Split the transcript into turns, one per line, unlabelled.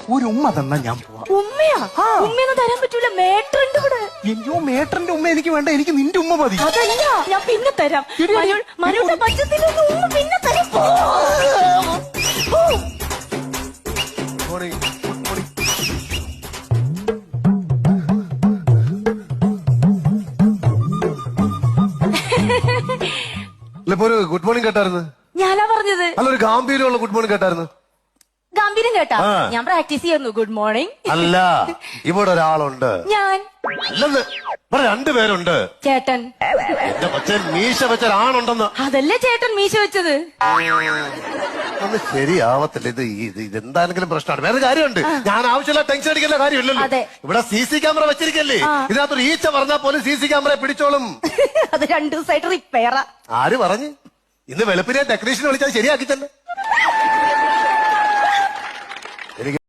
ഒരു ഉമ്മ തന്നാ ഞാൻ പോവാ.
ഉമ്മയാ? ഉമ്മയൊന്നും തരാൻ പറ്റൂല, മേട്ടറുണ്ട് ഇവിടെ.
അയ്യോ മേട്ടറിന്റെ ഉമ്മ എനിക്ക് വേണ്ട, എനിക്ക് നിന്റെ ഉമ്മ മതി.
അതല്ല, ഞാൻ പിന്നെ തരാം. മനുവിന്റെ പച്ചത്തിലൊന്നും ഉമ്മ പിന്നെ തരാം. പോ.
ഒരു ഗുഡ് മോർണിംഗ് കേട്ടായിരുന്നു.
ഞാനാ പറഞ്ഞത്.
അല്ല, ഒരു ഗാംഭീര്യമുള്ള ഗുഡ് മോർണിംഗ് കേട്ടായിരുന്നു.
ഗാംഭീര്യം കേട്ടാ? ഞാൻ പ്രാക്ടീസ് ചെയ്യുന്നു. Good morning.
അല്ല, ഇവിടെ ഒരാളുണ്ട്.
ഞാൻ
അല്ലെന്ന് ഇവിടെ രണ്ടുപേരുണ്ട്.
ചേട്ടൻ.
എന്റെ കൊച്ചൻ മീശ വെച്ച ഒരാണുണ്ടെന്ന്.
അതല്ലേ ചേട്ടൻ മീശ വെച്ചത്.
ഒന്ന് ശരിയാവത്തില്ല. ഇതെന്താണെങ്കിലും പ്രശ്നമാണ്. വേറെ കാര്യമുണ്ട്. ഞാൻ ആവശ്യമില്ല ടെൻഷൻ അടിക്കേണ്ട കാര്യമില്ലല്ലോ. ഇവിടെ CC ക്യാമറ വെച്ചിരിക്കല്ലേ, ഇതിനകത്തൊരു ഈച്ച പറഞ്ഞാൽ പോലും CC ക്യാമറ പിടിച്ചോളും.
അത് 2 ദിവസമായിട്ട് റിപ്പയറാ.
ആര് പറഞ്ഞു? ഇന്ന് വെളുപ്പിനെ ടെക്നീഷ്യനെ വിളിച്ചാൽ ശരിയാക്കി തന്നെ.